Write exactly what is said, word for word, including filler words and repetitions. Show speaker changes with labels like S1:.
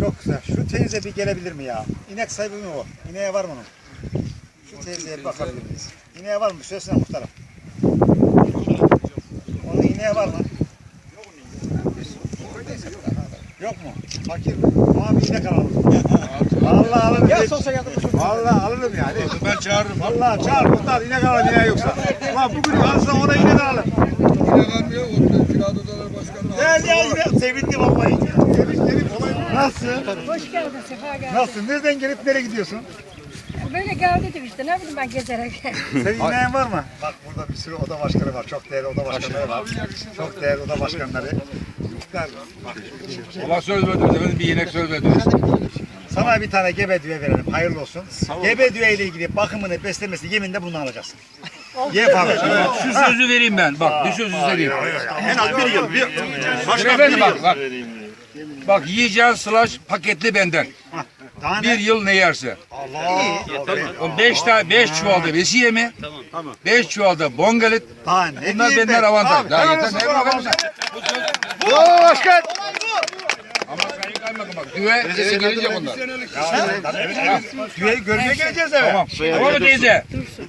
S1: Çok güzel. Şu teyze bir gelebilir mi ya? İnek sahibi mi o? İneğe var mı onun? Şu teyzeye bir bakabilir miyiz? İneğe var mı? Söylesene muhtarım. Onun ineğe var mı? Yok mu? Fakir mi? Ama bir inek alalım. Vallahi alırım.
S2: Ya sosa yardımcı çok.
S1: Vallahi alırım yani.
S3: Ben çağırırım.
S1: Vallahi çağır muhtar inek alalım ineği yoksa. Ulan bugün alsa ona inek alalım.
S3: Yine kalmıyor. Orada Kiralı Odalar Başkanı.
S1: Gel ya yine sevindim vallahi. Sevindim. Nasılsın?
S4: Hoş geldin, sefa geldin.
S1: Nasılsın? Nereden gelip nereye gidiyorsun?
S4: Böyle geldiydim işte, ne bileyim ben gezerek.
S1: Senin ineğin var mı? Bak burada bir sürü oda başkanı var. Çok değerli oda başkanları var. Çok değerli oda başkanları. Muhtar, bak,
S3: Allah söz verdiniz efendim. Bir inek söz verdiniz.
S1: sana bir tane gebe düve verelim. Hayırlı olsun. Gebe düve ile ilgili bakımını, beslemesini yeminle bundan alacaksın. Ye abi.
S3: Şu sözü vereyim ben. Bak bir söz vereyim.
S1: En az bir yıl. Bir,
S3: Başka bir bak bak. Bak yiyeceğin slash paketli benden.
S1: daha
S3: Bir
S1: ne?
S3: yıl ne yerse.
S1: Allah.
S3: O beş tane beş çuvalda besiye mi? Tamam. Beş çuvalda bongalit.
S1: Daha ne
S3: Bunlar
S1: diyeyim
S3: benden
S1: ben?
S3: avantaj.
S1: Abi,
S3: Daha
S1: helal
S3: yeter.
S1: olsun
S3: Ne
S1: sana
S3: bakalım
S1: vallahi.
S3: sen?
S1: Bravo başkan.
S3: Ama sayın kaymakam bak. Düve eve gelecek onlar.
S1: Düveyi görmeye geleceğiz eve.
S3: Tamam. Tamam mı teyze?